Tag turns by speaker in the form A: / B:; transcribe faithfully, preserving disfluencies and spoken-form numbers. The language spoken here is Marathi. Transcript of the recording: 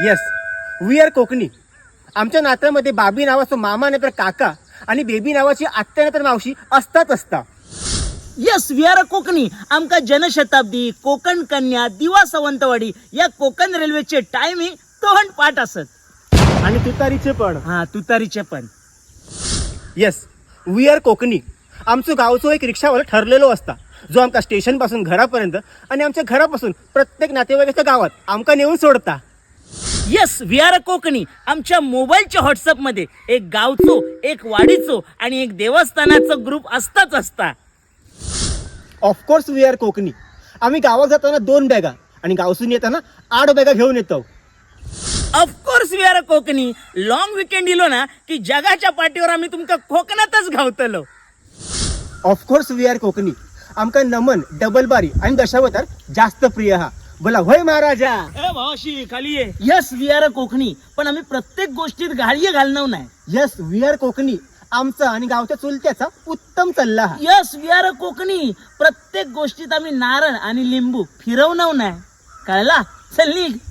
A: Yes, we are Kokani. आमच्या नात्यामध्ये बाबी नावाचा मामा नाहीतर काका आणि बेबी नावाची आत्या नाहीतर मावशी असतात असता.
B: Yes, we are Kokani. आमका जनशताब्दी, कोकण कन्या, दिवा सावंतवाडी या कोकण रेल्वेचे टायमिंग तोंड पाठ असत.
A: आणि तुतारीचे पण.
B: हा, तुतारीचे पण.
A: Yes, we are Kokani. आमचं गावचं एक रिक्षावाला ठरलेलो असता, जो आमका स्टेशन पासून घरापर्यंत आणि आमच्या घरापासून प्रत्येक नातेवाईकाच्या गावात आमका नेऊन सोडता.
B: Yes, we are Kokani. आमच्या मोबाईलच्या व्हॉट्सअप मध्ये एक गावचो, एक वाडीचो आणि एक देवस्थानाचा ग्रुप असताच असता.
A: Of course we are Kokani. आम्ही गावात जाताना दोन बॅगा आणि गावसून येताना आठ बॅगा घेऊन येतो.
B: Of course we are Kokani. Long weekend इलो ना की जगाच्या पाठीवर आम्ही तुमका कोकणातच घावतलो.
A: Of course we are Kokani. आमका नमन, डबल बारी आणि दशावतार जास्त प्रिय हा. बोला होय महाराजा.
B: ए भावाशी खाली ये. Yes, we are Kokani. पण आम्ही प्रत्येक गोष्टीत घाळी घालणार नाही.
A: Yes, we are Kokani. आमचा आणि गावच्या चुलत्याचा उत्तम सल्ला हा.
B: Yes, we are Kokani. प्रत्येक गोष्टीत आम्ही नारळ आणि लिंबू फिरवणार नाही. कळला? चल निघ.